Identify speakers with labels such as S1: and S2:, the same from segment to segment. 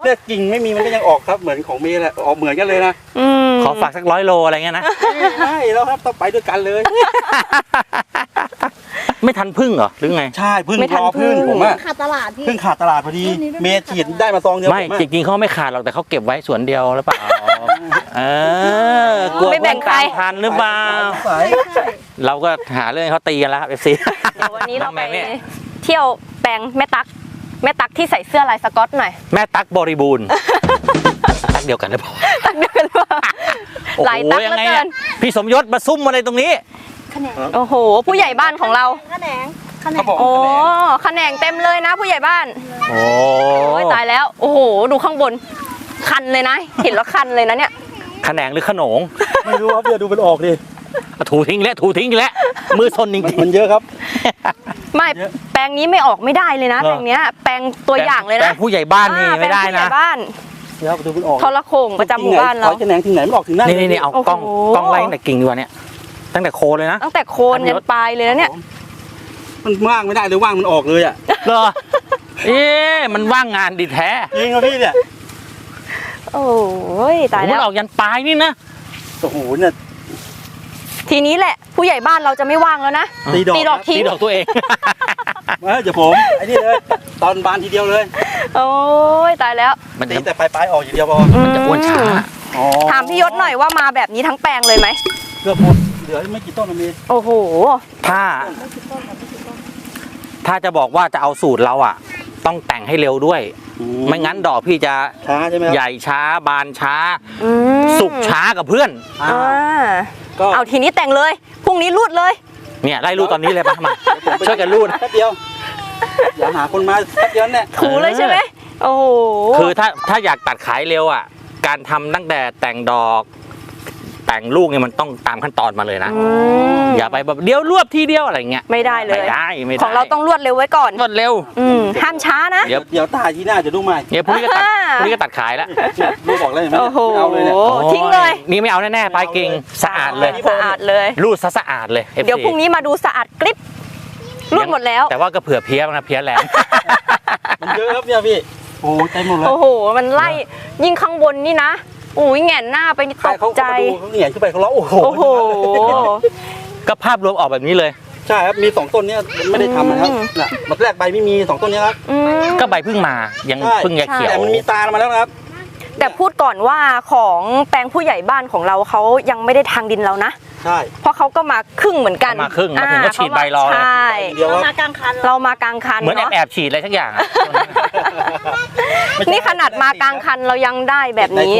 S1: เนี่ยกิ่งไม่มีมันก็ยังออกครับเหมือนของเมย์แหละออกเหมือนกันเลยนะ
S2: ขอฝากสัก100 โลอะไรเงี้ยนะ
S1: ไม่แล้วครับต้องไปด้วยกันเลย
S2: ไม่ทันพึ่งเหรอหรือไง
S1: ใช่พึ่งรอพึ่งผมอะ
S3: ขาดตลาดพี่
S1: พึ่งขาดตลาดพอดีเมย์ฉีดได้มาซองเดียว
S2: ไม่จริงๆเขาไม่ขาดหรอกแต่เขาเก็บไว้สวนเดียวหรือเปล่า กลัว
S3: ไม่แบ่งใคร
S2: ทันหรือเปล่าเราก็หาเรื่องเขาตีกันแล้วครับ FC
S3: เดี๋ยววันนี้เราไปเที่ยวแปลงแม่ตั๊กที่ใส่เสื้อลายสก๊อตหน่อย
S2: แม่ตั๊กบริบูรณ์ตั๊กเดียวกันหรือเปล่า
S3: ตั๊กเดียวกันว่าลายตั๊กแล้วเกิน
S2: พี่สมยศมาซุ่มอะไรตรงนี้
S3: โอ้โหผู้ใหญ่บ้านของเรา
S1: ขนง
S3: โอ้ขนงเต็มเลยนะผู้ใหญ่บ้าน
S2: โอ้
S3: ยตายแล้วโอ้โหดูข้างบนคันเลยนะเห็นแล้วคันเลยนะเนี่ย
S2: ขนงหรือขนง
S1: ไม่รู้ครับเดี๋ยวดูมันออกดิ
S2: ถูทิ้งแล้วมือซนจริง
S1: มันเยอะครับ
S3: ไม่แปลงนี้ไม่ออกไม่ได้เลยนะแปลงเนี้ยแปลงตัวอย่างเลยนะ
S2: แปลงผู้ใหญ่บ้านนี่ไม่ได้นะ
S1: เดี๋ยวดูมันออก
S3: ทรโข่งประจำหมู่บ้านเรา
S1: ขนงถึงไหนมันออกถึงนั่น
S2: นี่เอากล้องไล่ตั้งแต่กิ่งดีกว่าเนี่ยตั้งแต่โคนเลยนะ
S3: ตั้งแต่โคนยันปลายเลยนะเนี่ย
S1: มันว่างไม่ได้เลยว่างมันออกเลยอ่ะ
S2: เหรอมันว่างงานดีแท้
S1: จริงครับพี่เนี่ย
S3: โอ้ยตายแล้ว
S2: มันออกยันปลายนี่นะ
S1: โอ้โหเนี่ย
S3: ทีนี้แหละผู้ใหญ่บ้านเราจะไม่ว่างแล้วนะ
S2: ตีดอกตัวเอง
S1: เดี๋ยวผมไอ้นี่เลยตอนบานทีเดียวเลย
S3: โอ้ยตายแล้ว
S1: มันตีแต่ปลายออกอย่างเดียวพอ
S2: มันจะอ้วนช้า
S3: ถามพี่ยศหน่อยว่ามาแบบนี้ทั้งแปลงเลยไหม
S1: เกือบหมดเหลือไม่กี่ต้นนะมี
S3: โอ้โห
S2: ถ้าจะบอกว่าจะเอาสูตรเราอ่ะต้องแต่งให้เร็วด้วยไม่งั้นดอกพี่จะ
S1: ช้าใช่ไหมครับ
S2: ใหญ่ช้าบานช้าสุกช้ากับเพื่อน
S3: เอาทีนี้แต่งเลยพรุ่งนี้รูดเลย
S2: เนี่ยไล่รูดตอนนี้เลยป่ะมาช่วยกันรูด
S1: แป๊บเดียวอย่าหาคนมาแป๊บเดียวเนี่ย
S3: ถูเลยใช่ไหมโอ้โห
S2: คือถ้าอยากตัดขายเร็วอ่ะการทำตั้งแต่แต่งดอกแต่งลูกเนี่ยมันต้องตามขั้นตอนมาเลยนะอย่าไปแบบเดี๋ยวรวบทีเดียวอะไรเงี้ย
S3: ไม่ได้เลย
S2: ไม่ได้
S3: ของเราต้องรวดเร็วไว้ก่อน
S2: รวดเร็ว
S3: ห้ามช้านะ
S1: เดี๋ยวตาที่หน้าจะดูใหม่
S2: เดี๋ยวพรุ่งนี้ก็ตัดขายแล้ว
S1: ลูกบอกเลยไม่
S3: เอาเลยเนี่ยทิ้งเลย
S2: นี่ไม่เอาแน่ๆปลายกิ่งสะอาดเลยรูดสะอาดเลย
S3: เดี๋ยวพรุ่งนี้มาดูสะอาดกริบรูดหมดแล้ว
S2: แต่ว่าก็เผื่อเพี้ยนะเพี้ยแรง
S1: มันเยอะครับเนี่ยพี่โอ้ใจหมดเลย
S3: โอ้โหมันไล่ยิ่งข้างบนนี่นะอุ้ยแง่นหน้าไปตกใจ
S1: เขาเหนียนขึ้นไปเขาร้องโอ้โห
S2: ก็ภาพรวมออกแบบนี้เลย
S1: ใช่ครับมี2ต้นนี้ไม่ได้ทำนะครับน่ะมันแรกใบไม่มี2ต้นนี้ครับ
S2: ก็ใบเพิ่งมายังเพิ่งเขียว
S1: แต่มันมีตามาแล้วนะครับ
S3: แต่พูดก่อนว่าของแปลงผู้ใหญ่บ้านของเราเขายังไม่ได้ทางดินเรานะ
S1: ใช่
S3: เพราะเขาก็มาครึ่งเหมือนกัน
S2: มาครึ่งมาถึงก็ฉีดใบรอ
S3: ใช่
S1: เรา
S3: มากลางคัน
S2: เหมือนแอบฉีดอะไรทั้งอย่าง
S3: นี่ขนาดมากลางคันเรายังได้แบบนี้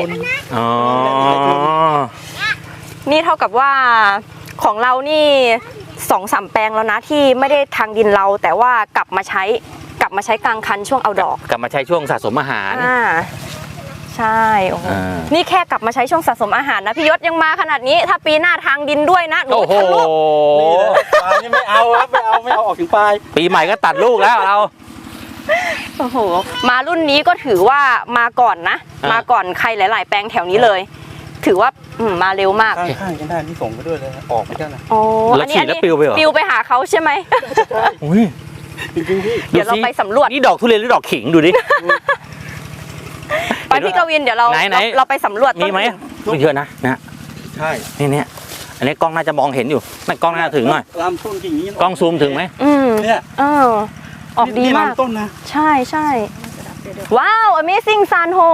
S3: นี่เท่ากับว่าของเรานี่ 2-3 แปลงแล้วนะที่ไม่ได้ทางดินเราแต่ว่ากลับมาใช้กลางคันช่วงเอาดอก
S2: กลับมาใช้ช่วงสะสมอาหาร
S3: ใช่โอ้โหนี่แค่กลับมาใช้ช่วงสะสมอาหารนะพี่ยศยังมาขนาดนี้ถ้าปีหน้าทางดินด้วยนะหนูทะลุ
S1: นี่ไม่เอาครับไม่เอาออกถึงปลาย
S2: ปีใหม่ก็ตัดลูกแล้วเรา
S3: โอ้โหมารุ่นนี้ก็ถือว่ามาก่อนนะมาก่อนใครหลายๆแปลงแถวนี้เลยถือว่ามาเร็วมาก
S1: ข้างกันได้ที่ส่งไปด้วยเลยออกไปกันนะ
S3: โอ้อันนี้ปิวไปหาเขาใช่ไหมเดี๋ยวเราไปสำรวจ
S2: นี่ดอกทุเรียนหรือดอกขิงดูดิ
S3: ไปพี่กวินเดี๋ยวเราไปสำรวจ
S2: มีไหมไม่เยอะนะ
S1: ใช่
S2: นี่อันนี้กล้องน่าจะมองเห็นอยู่นั่นกล้องน่าถึงหน่อย
S1: ลำต้นกิ่งนี้
S2: กล้องซูมถึงไหม
S1: เนี่ย
S3: ออกดีมาก
S1: ต้นนะ
S3: ใช่ว้าว amazing san ho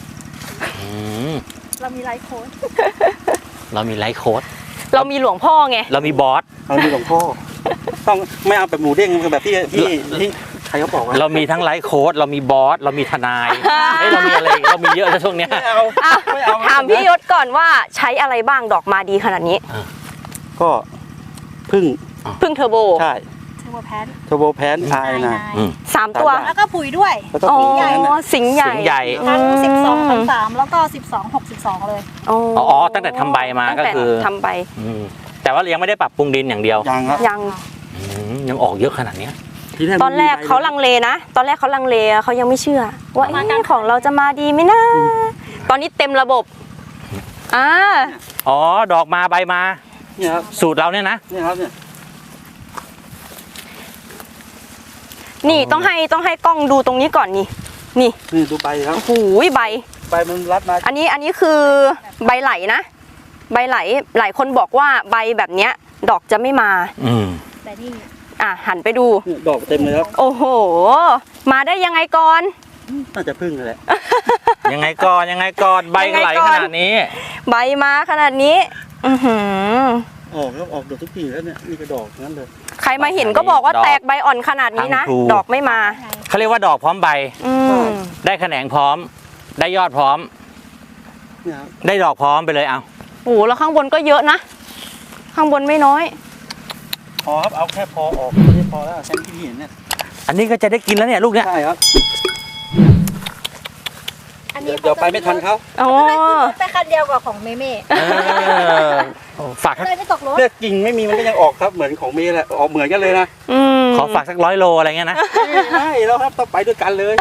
S3: เรามีไลฟ์โค้ด
S2: เรามี
S3: หลวงพ่อไง
S2: เรามีบอส
S1: เรามีหลวงพ่อต้องไม่เอาแบบหมูเด้งแบบที่ใครเขาบอก
S2: เรามีทั้งไลฟ์โค้ดเรามีบอสเรามีทนายเรามีอะไรเรามีเยอะช่วงนี้
S1: ไม่เอา
S3: ถามพี่ยศก่อนว่าใช้อะไรบ้างดอกมาดีขนาดนี้
S1: ก็พึ่ง
S3: เทอร์โบ
S1: ใช่เทอร์โบแพนไอนะ
S3: 3 ตัว
S4: แล้วก็ปุ๋ยด้วย
S3: สิงห์ใหญ่
S4: ทั้ง12-13แล้วก็12-6-12เลย
S2: อ๋อตั้งแต่ทำใบมาก็คือ
S3: ทำใบ
S2: แต่ว่ายังไม่ได้ปรับปรุงดินอย่างเดียว
S3: ยัง
S2: ออกเยอะขนาดนี้
S3: ตอนแรกเขาลังเลนะเขายังไม่เชื่อว่าของเราจะมาดีไหมนะตอนนี้เต็มระบบ
S2: อ๋อดอกมาใบมาสูตรเราเนี่ยนะ
S3: นี่ต้องให้กล้องดูตรงนี้ก่อนนี่นี่
S1: นี่ดูใบครับ
S3: โอ้โหใบ
S1: ใบมันรัดมา
S3: อันนี้คือใบไหลนะ ใบไหลหลายคนบอกว่าใบแบบเนี้ย ดอกจะไม่มา
S2: อืม
S4: แต่นี่
S3: หันไปดู
S1: นี่ดอกเต็มเลยครับ
S3: โอ้โห มาได้ยังไงก่อน
S1: น่าจะพึ่งเลยแหละ
S2: ยังไงก่อนยังไงก่อนใบก็ไหลขนาดนี้
S3: ใบมาขนาดนี้ อือหือ
S1: ออกครับออกดอกทุกทีแล้วเนี่ยนี่ก็ดอกทั้งนั้นเลย
S3: ใครมาเห็นก็บอกว่าแตกใบอ่อนขนาดนี้นะ
S2: ทั้งภู
S3: ดอกไม่มา
S4: ไง
S2: เขาเรียกว่าดอกพร้อมใบ
S3: อืม
S2: ได้แขนงพร้อม ได้ยอดพร้อม
S1: เนี่ยครับ
S2: ได้ดอกพร้อมไปเลยเอา
S3: โอ้โหแล้วข้างบนก็เยอะนะ ข้างบนไม่น้อย
S1: พอครับเอาแค่พอออกไม่ใช่พอแล้วแค่ที่เห็นเนี่ย
S2: อันนี้ก็จะได้กินแล้วเนี่ยลูกเนี่ย
S1: ใช่ครับ
S4: อันนี้
S1: เดี๋ยวไปไม่ทันเขา
S3: อ๋อ
S4: ไม่ขึ้นรถไปคันเดียวกับของเมเม่
S2: เออฝาก
S4: เลยไม่ตกรถ
S1: เนี่ยกิ่งไม่มีมันก็ยังออกครับเหมือนของเมย์แหละออกเหมือนกันเลยนะ
S3: อืม
S2: ขอฝากสัก100 โลอะไรเงี้ยนะ
S1: ใช่แล้วครับต้องไปด้วยกันเลย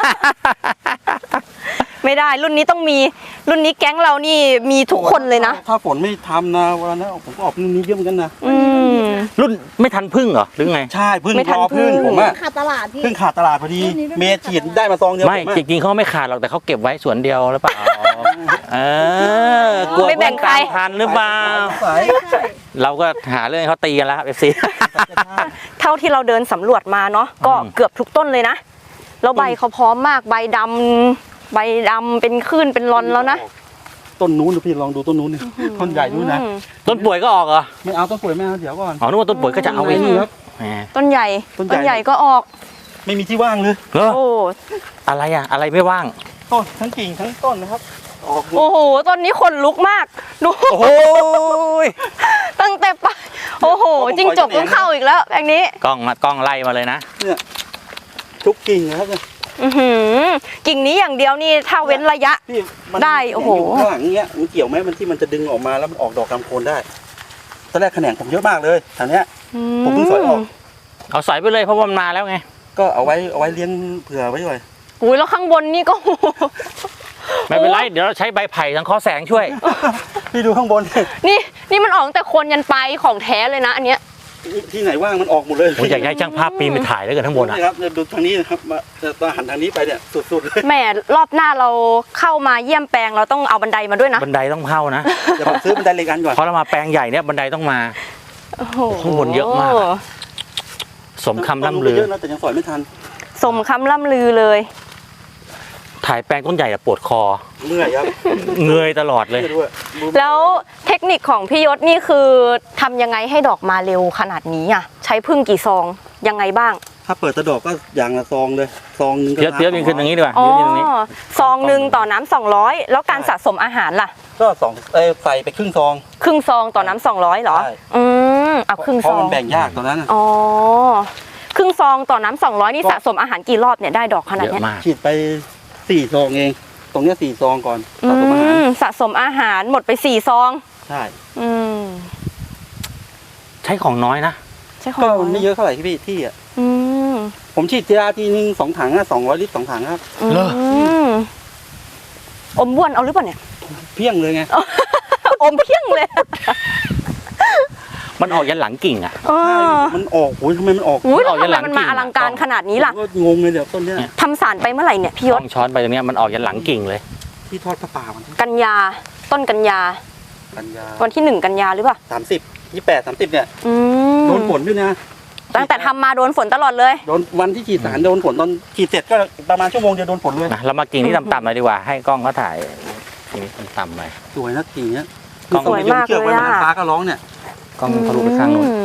S3: ไม่ได้รุ่นนี้ต้องมี รุ่นนี้แก๊งเรานี่มีทุกคนเลยนะ
S1: ถ้าฝนไม่ทำนะวันนั้นผมก็ออกรุ่นนี้เยอะเหมือนกันนะ
S3: อืม
S2: รุ่นไม่ทันพึ่งเหรอหรือไง
S1: ใช่พึ่ง
S3: ไม่ทัน
S1: รอพึ่ง
S3: พึ่ง
S1: ผมอะ
S4: ขาดตลาดพี่
S1: พึ่งขาดตลาดพอดี
S4: รุ่นนี้รุ่นนี้
S1: เมย์ฉีดได้มาซองเดียว
S2: ไม่
S1: ผอะ
S2: จริงๆเขาไม่ขาดหรอกแต่เขาเก็บไว้สวนเดียวหรือเปล่าเออกลัว
S3: ไม่แบ่งใคร
S2: เพื่อนตามทันหรือเปล่า
S1: สาย
S4: ใช่
S2: เราก็หาเรื่องให้เขาตีกันแล้วครับ FC
S3: เท่าที่เราเดินสำรวจมาเนาะก็
S2: อืม
S3: เกือบทุกต้นเลยนะแล้วใบเขาพร้อมมากใบดำเป็นคลื่นเป็นรอนแล้วนะ
S1: ต้นนู้นดูพี่ลองดูต้นนู้นนี่ต้นใหญ่นู้นนะ
S3: อืม
S2: ต้นป่วยก็ออกเหรอ
S1: ไม่เอาต้นป่วยไม่เอาเดี๋ยวก่อน
S2: อ๋อนึกว่าต้นป่วยก็จะเอา
S1: ไอ้
S2: เอง
S1: นี่ครับ
S2: แหม
S3: ต้นใหญ่
S1: ต้นใหญ่
S3: ใหญ่ก็ออก
S1: ไม่มีที่ว่างเลย
S2: เหรอ
S3: โอ้
S2: อะไรอะอะไรไม่ว่าง
S1: ต้นทั้งกิ่งทั้งต้นนะครับ ออกหมด
S3: โอ้โหต้นนี้ขนลุกมากดู
S2: โอ้โห
S3: ตั้งแต่ปะโอ้โหจิ้งจกต้องเข้าอีกแล้วแบบนี้
S2: กล้องไล่มาเลยนะ
S1: เนี่ยทุกกิ่งนะครับเนี่ย
S3: อื้อหือกิ่งนี้อย่างเดียวนี่ถ้าเว้นระยะ
S1: พี่มัน
S3: ได้โอ้โห
S1: ยู่ข้างหลังเงี้ยมันเกี่ยวไหมมันที่มันจะดึงออกมาแล้วมันออกดอกกำโคนได้ตอนแรกแขนงผมเยอะมากเลยแถวเนี้ย ผมเพิ่งสอยออก
S2: เอาใส่ไปเลยเพราะว่ามันมาแล้วไง
S1: ก็เอาไว้เลี้ยงเผื่อไว้ด้วย
S3: อุ้ยแล้วข้างบนนี่ก็
S2: ไม่เป็นไรเดี๋ยวเราใช้ใบไผ่สังเคราะห์แสงช่วย
S1: พี่ดูข้างบน
S3: นี่มันออกตั้งแต่โคนยันปลายของแท้เลยนะอันเนี้ย
S1: ที่ไหนว่างมันออกหมดเลย
S2: ผมอยากให้ช่างภาพปีนไปถ่ายแล้วกันทั้างบนอ่ะ
S1: นี่ครับดูทางนี้นะครับมาตอนหันทางนี้ไปเนี่ยสุดๆเลย
S3: แหมรอบหน้าเราเข้ามาเยี่ยมแปลงเราต้องเอาบันไดมาด้วยนะ
S2: บันไดต้องเข้านะ
S1: เดี๋ยวผมซื้อบันไดเล็กอันก่อน
S2: เพราะเรามาแปลงใหญ่เนี่ยบันไดต้องมา
S3: โอ้โห
S2: ข้างบนเยอะมาก สมคำล่ำลือ
S1: เยอะนะแต่ยังสอยไม่ทัน
S3: สมคำล่ำลือเลย
S2: ถ่ายแปลงต้นใหญ่อะปวดคอ
S1: เมื่อยครับ
S2: เงยตลอดเลย
S1: เมื่อยด้วย
S3: แล้วเทคนิคของพี่ยศนี่คือทำยังไงให้ดอกมาเร็วขนาดนี้อ่ะใช้พึ่งกี่ซองยังไงบ้าง
S1: ถ้าเปิดตะดอกก็อย่างละซองเลยซองหนึงก็
S2: เดี๋ยวยิงขึ้นตรงนี้ดีกว่า
S3: อ๋อ
S2: ยืนตรงนี้
S3: ซองหนึ่งต่อน้ำ200แล้วการสะสมอาหารล่ะ
S1: ก็ใส่ไปครึ่งซอง
S3: ครึ่งซองต่อน้ำ200เหรอ
S1: ใช่
S3: เอาครึ่ง
S1: เพ
S3: ซ
S1: ราะ
S3: อง
S1: มันแบ่งยากตอนนั้นน่ะ
S3: อ๋อครึ่งซองต่อน้ำ200นี่สะสมอาหารกี่รอบเนี่ยได้ดอกขนาด
S2: เย
S3: เนี้ย
S2: อะมาก
S1: ฉีดไป4 ซองเอง ตรงเนี้ย4 ซองก่อนสะสมอาหาร
S3: สะสมอาหารหมดไป4ซอง
S1: ใช่
S3: อืม
S2: ใช้ของน้อยนะ
S3: ใช่ของ
S1: ก็
S3: น้อย
S1: ไม่เยอะเท่าไหร่พี่ที่อ่ะ
S3: อืม
S1: ผมฉีดทีนึง2 ถังอะ200 ลิตร 2 ถังครับ
S2: เหรอ
S3: มอมบ้วนเอาหรือเปล่าเนี่ย
S1: เพี้ยงเลยไง
S3: อมเพี้ยงเลย
S2: มันออกยันหลังกิ่งอ่ะ
S3: เออ
S1: มันออกโอ้ยทำไมมันออก
S3: อุ้ยแล้ว
S2: ออกยั
S3: ทำ
S2: น
S3: ไม
S2: หลัง
S3: มันมา
S2: กิ่ง
S3: อลังการขนาดนี้ล่ะ
S1: ผมก็งงเลยเดี๋ยวต้นเนี้ย
S3: ทำสารไปเมื่อไหร่เนี่ยพี่ย
S2: ต้
S3: ศ
S2: องช้อนไปตรงเนี้ยมันออกยันหลังกิ่งเลย
S1: ที่ทอดผ้าป่าวัน
S3: กันยาต้นกันยา
S1: กันยา
S3: วันที่1กันยาหรือเปล่า
S1: 30 28 30เนี่ย
S3: อืม
S1: โดนฝนด้วยนะ
S3: ตั้งแต่ทำมาโดนฝนตลอดเลย
S1: โดนวันที่ฉีดสารโดนฝนตอนฉีดเสร็จก็ประมาณชั่วโมงเดียวโดนฝนเลย
S2: นะเรามากิ่งที่ต่ำๆเลยดีกว่า ให้กล้องเขาถ่ายกิ่งนี้ต่ำๆหน่อย
S1: สวยนะกิ่งเนี้ย
S2: กล้อง
S3: สวยมาก
S1: ชือกไว้
S3: เลยอะ
S1: ฟ้าก็ร้องเนี่ย
S2: กล้องทะลุไปข้างนู้น
S3: อืม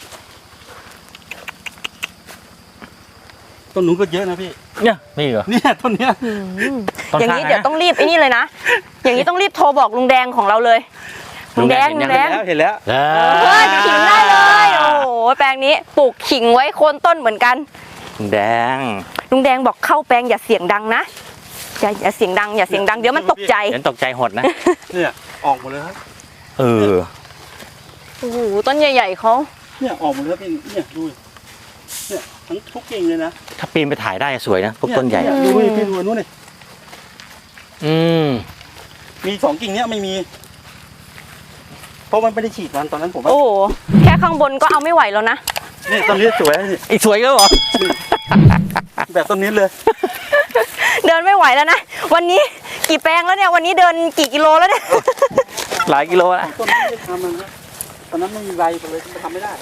S1: ต้นนู้นก็เยอะนะพี่
S2: เนี่ยนี่เหรอ
S1: เนี่ยต้นเนี้ย
S3: อืม
S2: ต้น
S3: อย่าง
S2: ข้าง
S3: นี้
S2: นะ
S3: เดี๋ยวต้องรีบไอ้นี่เลยนะ อย่างนี้ต้องรีบโทรบอกลุงแดงของเราเลยลุงแดง
S2: ลุ
S3: ลุ
S2: ง
S3: ง
S2: แด
S3: แด
S2: ง
S3: ง
S1: เห็นแล้ว
S2: เอ
S3: เฮ้ยขิงได้เลย โอ้โหแปลงนี้ปลูกขิงไว้โคนต้นเหมือนกัน
S2: แดง
S3: ลุงแดงบอกเข้าแปลงอย่าเสียงดังนะอย่าเสียงดังอย่าเสียงดังเดี๋ยวมันตกใจ
S2: เห็นตกใจหดนะ
S1: เนี่ยออกหมดเลยครับ
S2: เออ
S3: โอ้โหต้นใหญ่ๆเขา
S1: เนี่ยออกหมดเลยครับพี่เนี่ยดูเนี่ยทั้งทุกกิ่งเลยนะ
S2: ถ้าปีนไปถ่ายได้สวยนะพวกต้นใหญ่
S1: เยดูดิพี่ดูนู้นเลย
S2: อืม
S1: มี2 กิ่งเนี้ยไม่มี เพราะมันไม่ได้ฉีดตอนนั้นผมว่า
S3: โอ้โหแค่ข้างบนก็เอาไม่ไหวแล้วนะ
S1: นี่ต้นนี้สวยนี่
S2: อีกสวยก็เหรอ
S1: แบบต้นนี้เลย
S3: เดินไม่ไหวแล้วนะ วันนี้กี่แปลงแล้วเนี่ย วันนี้เดินกี่กิโลแล้วเนี่ย
S2: หลายกิโลแล้ว
S1: ต้นนี้ไม่ได้ทำมันนะตอนนั้นไม่มีใบเลยมันทำไม่ได้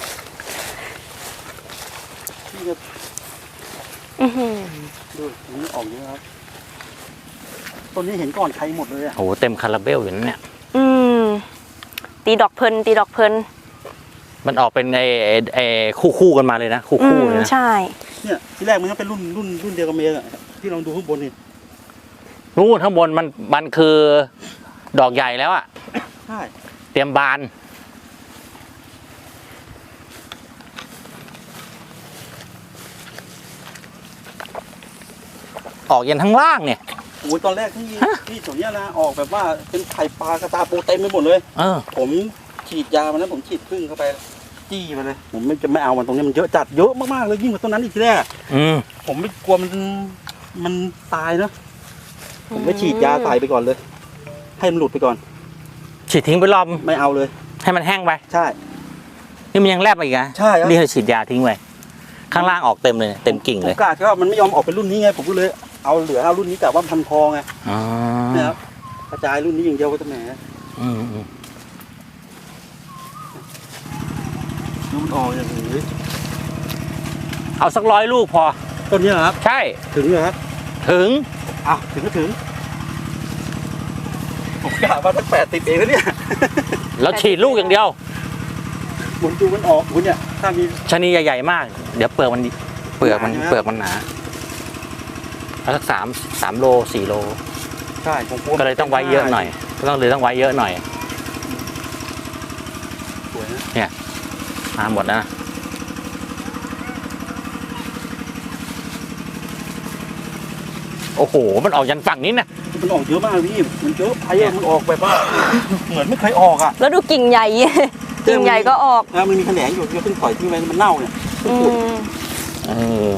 S1: นี่ก็
S3: อื้อหือ
S1: ดูนี่ออกเยอะครับต้นนี้เห็นก่อนใครหมดเลยอ่ะ
S2: โอ้โหเต็มคาราเบลอยู่นั่นเนี่ย
S3: อืมตีดอกเพลินตีดอกเพลิน
S2: มันออกเป็นไอ้คู่กันมาเลยนะ คู่เลยนะ
S3: ใช่
S1: เนี่ยที่แรกมันก็เป็นรุ่นเดียวกับเมย์อะที่เราดูข้างบนนี่
S2: นู่นข้างบนมันคือดอกใหญ่แล้วอะ
S1: ใช่
S2: เตรียมบาน ออกยันทั้งล่างเนี่ย
S1: โอ้ยตอนแรกที่ส่วนเนี้ยนะออกแบบว่าเป็นไข่ปลากระตาปูเต็มไปหมดเลย
S2: เออ
S1: ผมฉีดยามันนั้นผมฉีดพึ่งเข้าไปจี้ไปเลยผมไม่เอามันตรงนี้มันเยอะจัดเยอะมากๆเลยยิ่งกว่าต้นนั้นอีกทีแรก
S2: อืม
S1: ผมไม่กลัวมันตายเนอะผมไม่ฉีดยาใส่ไปก่อนเลย ให้มันหลุดไปก่อน
S2: ฉีดทิ้งไปรอบ
S1: ไม่เอาเลย
S2: ให้มันแห้งไป
S1: ใช่
S2: นี่มันยังแลบมาอีกนะ
S1: ใช่ครับ
S2: นี่เราฉีดยาทิ้งไว้ข้างล่างออกเต็มเลยเนี่ยเต็มกิ่ง
S1: ผ
S2: เลย
S1: มกะแค่ว่ามันไม่ยอมออกเป็นรุ่นนี้ไงผมก็เลยเอาเหลือเอารุ่นนี้แต่ว่าพันคอไง
S2: อ๋อ
S1: เนี่ยครับกระจายรุ่นนี้อย่างเดียวก็จะแหม
S2: อืม
S1: ดูมันออกอย่างนี้
S2: เอาสัก100 ลูกพอ
S1: ต้นนี้เหรอครับ
S2: ใช่
S1: ถึงเหรอครับ
S2: ถึง
S1: อ่ะถึงก็ถึงผมกะว่าตั้ง80เองแล้วเนี่ย
S2: แล้วฉีดลูกอย่างเดียว
S1: หมุนดูมันออกคุณเนี่ยถ้ามี
S2: ชะนีใหญ่ๆมาก เดี๋ยวเปลือกมันหนา
S1: หนาใช่ไหม
S2: เปลือกมันหนาเอาสัก3 โล 4 โล
S1: ใช่ผมกลัว
S2: ก็เลยต้องไว้เยอะหน่อยต้องไว้เยอะหน่อย
S1: สวยนะ
S2: มาหมดนะโอ้โห มันออกยันฝั่งนี้นะ
S1: มันออกเยอะมากพี่มันเยอะไปอะมันออกแบบว่า เหมือนไม่เคยออกอ่ะ
S3: แล้วดูกิ่งใหญ่ กิ่งใหญ่ก็ออก
S1: แล้วมันมีแขนงอยู่ที่เพิ่งปล่อยทิ้งไว้มันเน่าเนี่ยเพิ่ง
S3: อื
S1: ขุด
S3: ม
S2: เออ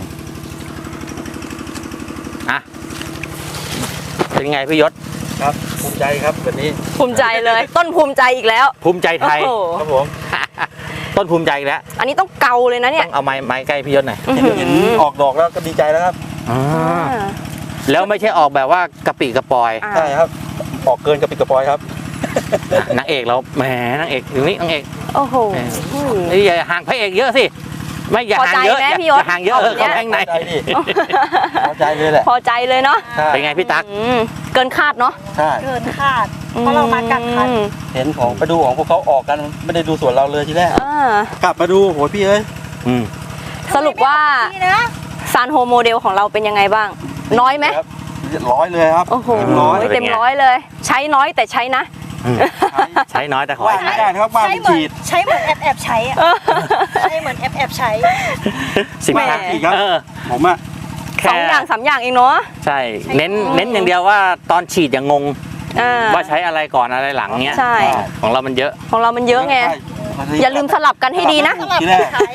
S2: อ่ะเป็นไงพี่ยศ
S1: ครับภูมิใจครับแบบนี้
S3: ภูมิใจเลย ต้นภูมิใจอีกแล้ว
S2: ภูมิใจไทย
S3: โอ้โห
S1: ครับผม
S2: ต้นภูมิใจอีกแล้ว
S3: อันนี้ต้องเกาเลยนะเนี่
S2: ต้
S3: ย
S2: องเอาไม้ใกล้พี่ยศหน่อย
S1: เห็นออกดอกแล้วก็ดีใจแล้วครับ
S2: แล้วไม่ใช่ออกแบบว่ากระปิกระปอย
S3: อ่า
S1: ใช่ครับออกเกินกระปิดกระปอยครับ
S2: นางเอกเราแหมนางเอกอยู่นี่นางเอก
S3: โอ้โห
S2: เอ้ยอย่าห่างพระเอกเยอะสิไม่อย่าห่างเยอะ
S3: พอใจไหม
S2: อย่า
S3: พี่ยศ
S2: อย่าห่างเยอะ
S3: เอาอย่างเงี้ย
S2: เข้าไปข้างใน
S1: พอใจดิพอใจเลยแหละ
S3: พอใจเลยเนาะ
S1: ใช่
S2: เป็นไงพี่ตั๊ก
S3: อืมเกินคาดเนาะ
S1: ใช่
S4: เกินคาด เพราะเรามากักคัน
S1: เห็นของไปดูของพวกเขาออกกันไม่ได้ดูสวนเราเลยทีแรก
S3: อ่าก
S1: ลับมาดูโหพี่เอ้ย
S2: อืม
S3: สรุปว่า
S4: นี่นะ
S3: ซานโฮโมเดลของเราเป็นยังไงบ้าง น้อยไหม
S1: ครับร้อยเลยครับ
S3: โอ้โห
S1: เต็มร้อย
S3: เต็มร้อยเลย ใช้น้อยแต่ใช้นะ
S2: ใช้น้อยแต่ขอ
S1: ว่า
S2: ให้
S1: ไม่
S2: ใช้
S1: ได้นะครับว่า
S4: ใช้
S1: มัน
S4: เหมือน
S1: ฉีด
S4: ใช้เหมือนแอบใช้อะใช้เหมือนแอบใช้
S2: สินค้า
S1: แหมอีกครับ ผมอะ
S2: แค่
S3: 2 อย่าง 3 อย่างเองเนาะ
S2: ใช่ เน้นอย่างเดียวว่าตอนฉีดอย่างงง
S3: อ่า
S2: ว่าใช้อะไรก่อนอะไรหลังเนี้ย
S3: ใช่
S2: ของเรามันเยอะ
S3: ของเรามันเยอะไง อย่าลืมสลับกันให้ดีนะ
S4: สลับ
S1: ทีแร
S4: กัน
S1: ก
S4: ใช้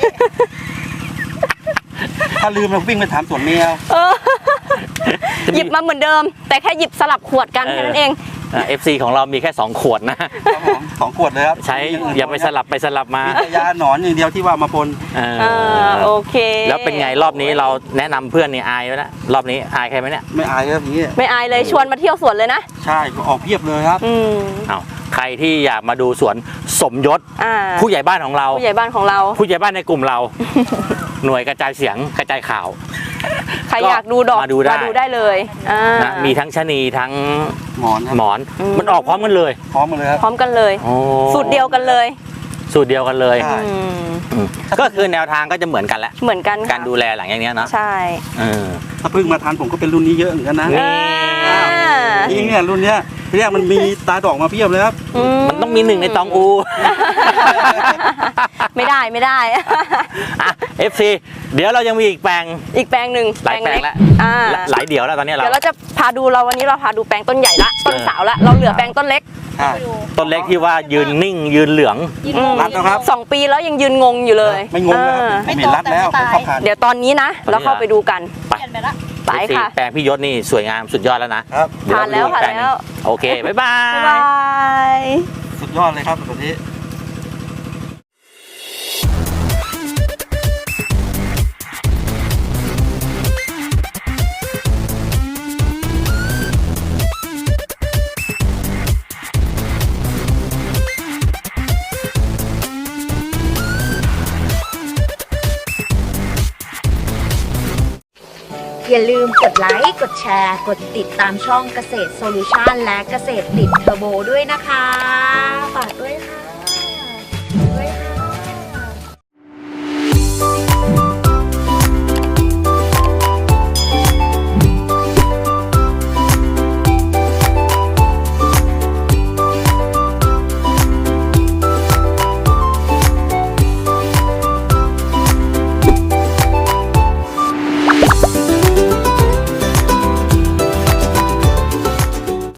S1: ถ้าลืมเราวิ่งไปถามสวนเมีย
S3: หยิบมาเหมือนเดิม แต่แค่หยิบสลับขวดกันแค่นั้นเอง
S2: FC ของเรามีแค่ 2 ขวดนะ
S1: ครับผม2 ขวดเลยครับ
S2: ใช้อย่าไปสลับมา
S1: มีแต่ยาหนอนอย่างเดียวที่ว่ามาปน
S2: เออ
S3: โอเค
S2: แล้วเป็นไงรอบนี้เราแนะนำเพื่อนนี่อายไว้นะรอบนี้อายใครไหมเนี่ย
S1: ไม่อายครับอย่างนี้
S3: ไม่อายเลยชวนมาเที่ยวสวนเลยนะ
S1: ใช่ก็ออกเพียบเลยครับ
S3: อืม
S2: เอาใครที่อยากมาดูสวนสมยศ
S3: อ่า
S2: ผู้ใหญ่บ้านของเรา
S3: ผู้ใหญ่บ้านของเรา
S2: ผู้ใหญ่บ้านในกลุ่มเรา หน่วยกระจายเสียงกระจายข่าว
S3: ใครอยากดูดอก
S2: มาดูได้
S3: เลยอ่า
S2: นะมีทั้งชะนีทั้ง
S1: หมอนครับ
S2: หมอน
S3: อืม
S2: มันออกพร้อมกันเลย
S1: พร้อมมาเลยครับ
S3: พร้อมกันเลย
S2: โอ้
S3: สูตรเดียวกันเลย
S2: สูตรเดียวกันเลย
S1: ใช่
S3: อืม
S2: อืมก็คือแนวทางก็จะเหมือนกันแหละ
S3: เหมือนกันค่ะ
S2: การดูแลหลังอย่างเนี้ยเนาะ
S3: ใช่
S2: เออ
S1: ถ้าเพิ่งมาทานผมก็เป็นรุ่นนี้เยอะเหมือนกันนะ
S2: นี่
S3: อ่า
S1: จริงเนี่ยรุ่นเนี้ยทีแรกมันมีตาดอกมาเพียบเลยครับ
S2: มันต้องมี1ในตองอู
S3: ไม่ได้ไม่ได้
S2: อ่ะ FC เดี๋ยวเรายังมีอีกแปลง
S3: อีกแปลงหนึ่ง
S2: หลายแปลงแล้ว
S3: อ่า
S2: หลายเดี่ยวแล้วตอนนี้
S3: เดี๋ยวเราจะพาดูวันนี้เราพาดูแปลงต้นใหญ่ละต้นสาวละเราเหลือแปลงต้นเล็ก
S1: ใช่
S2: ต้นเล็กที่ว่ายืนนิ่งยืนเหลือง
S1: รัดนะครับ
S3: 2 ปีแล้วยังยืนงงอยู่เลย
S1: ไม่งงนะครับ
S3: อ่า
S1: ผมเห็นรัดแล้วผมเข้าผ่าน
S3: เดี๋ยวตอนนี้นะ เราเข้าไปดูกัน
S4: เปลี่ยนไปละ
S3: ไปค่ะ
S2: แปลงพี่ยศนี่สวยงามสุดยอดแล้วนะครับ เดี๋ย
S3: ผ่านแล้ว
S2: เรไปดูอีกปงหง
S3: ผ่านแล้ว
S2: โอเค บ๊ายบา
S3: บ๊ายบาย ย
S1: สุดยอดเลยครับแบบนี้
S5: อย่าลืมกดไลค์ กดแชร์ กดติดตามช่องเกษตรโซลูชันและเกษตรติดเทอร์โบด้วยนะคะ ฝากด้วยค่ะ